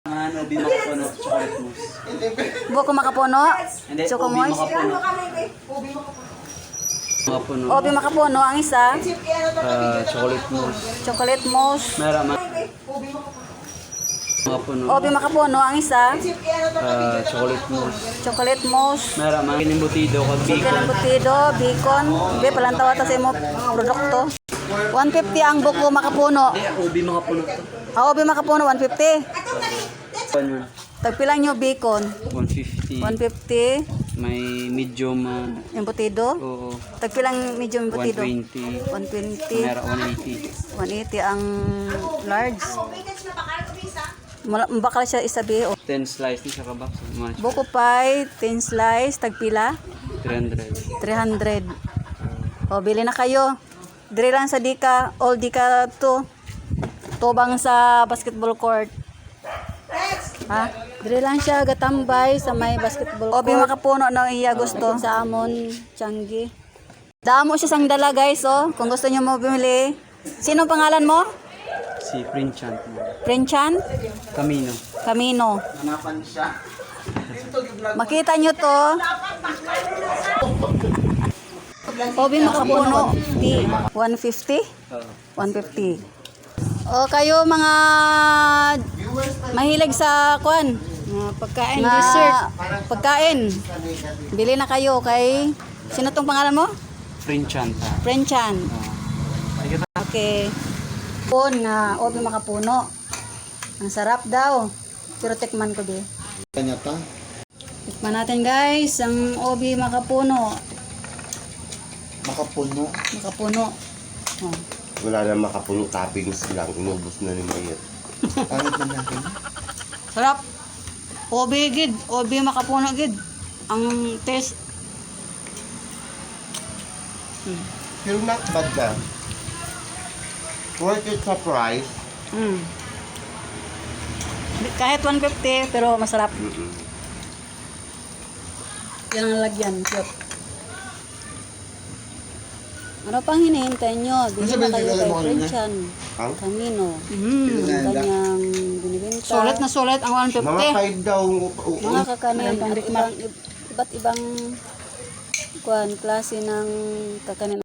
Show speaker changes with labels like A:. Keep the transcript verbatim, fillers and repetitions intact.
A: Ano, ubi makapuno, chocolate mousse.
B: Buko makapuno?
A: Hindi,
B: Choco
A: ubi
B: moist?
A: makapuno. Makapuno.
B: Obi makapuno. Ang isa?
A: Ah, chocolate mousse.
B: Chocolate mousse.
A: Meron ma. Makapuno.
B: Obi makapuno. Ang isa?
A: Ah, chocolate mousse.
B: Chocolate mousse.
A: Meron ma. Inimbutido kag
B: Chicken
A: bacon.
B: embutido, bacon. Be, palantawa ta sa imo produkto. one fifty ang buko makapuno.
A: Hindi, ubi makapuno to.
B: Ah, obi makapuno, one fifty.
A: Ano yun?
B: Tagpilang nyo bacon.
A: one fifty.
B: one fifty.
A: May medium, ah,
B: Embutido.
A: oo.
B: Tagpilang medium
A: one
B: embutido.
A: twenty.
B: one twenty.
A: Meron one eighty.
B: one eighty ang large. Mala- Bakal siya isabi. O.
A: ten slice ni sa kabak.
B: Buko pie, ten slice, tagpila,
A: three hundred.
B: three hundred. O, bili na kayo. Dire lang sa Dika, all Dika to. Tubang sa basketball court. Ha? Dire lang siya gatambay sa may basketball court. Obi makapuno ng iya gusto sa amon, Changi. Damo siya sang dala guys, oh. Kung gusto niyo mo bumili. Sino pangalan mo?
A: Si Princhan.
B: Princhan?
A: Camino.
B: Camino.
A: Hanapan siya.
B: Makita nyo to. Obi makapuno. Di one fifty?
A: Oo.
B: one fifty. O kayo mga mahilig sa kwan.
C: Mga pagkain,
B: Nga,
C: dessert.
B: pagkain. Bili na kayo kay sino tong pangalan mo?
A: Princhan ta.
B: Princhan.
A: Oo.
B: Okay. Pon na obi makapuno. Ang sarap daw. Pero tikman ko di.
D: Kanya ta?
B: Tikman natin guys ang obi makapuno.
D: Makapuno.
B: Makapuno. Oh.
E: Wala na makapuno toppings lang. Inubos na ni Mayet.
D: Pangit man natin.
B: Sarap. Obi gid, obi makapuno gid. Ang taste.
E: Pero not bad na. Worth it sa price.
B: Mm. Kahit one fifty pero masarap.
E: Mm-mm.
B: Yan ang lagyan, cute. Ano pang hinihintay nyo? Bili
D: Ano
B: na
D: sabihin
B: kayo
D: nila
B: kay
D: mo kanina?
B: Princhan.
E: Ang?
B: Camino.
C: Mm.
B: Ang kanyang binibenta.
C: Sulit na sulit ang one
E: Mga
C: fifty.
E: five daw. Oo.
B: Mga kakanin.
C: Ang
B: At
C: pangdikmak.
B: ibang, iba't ibang kuan, klase ng kakanin.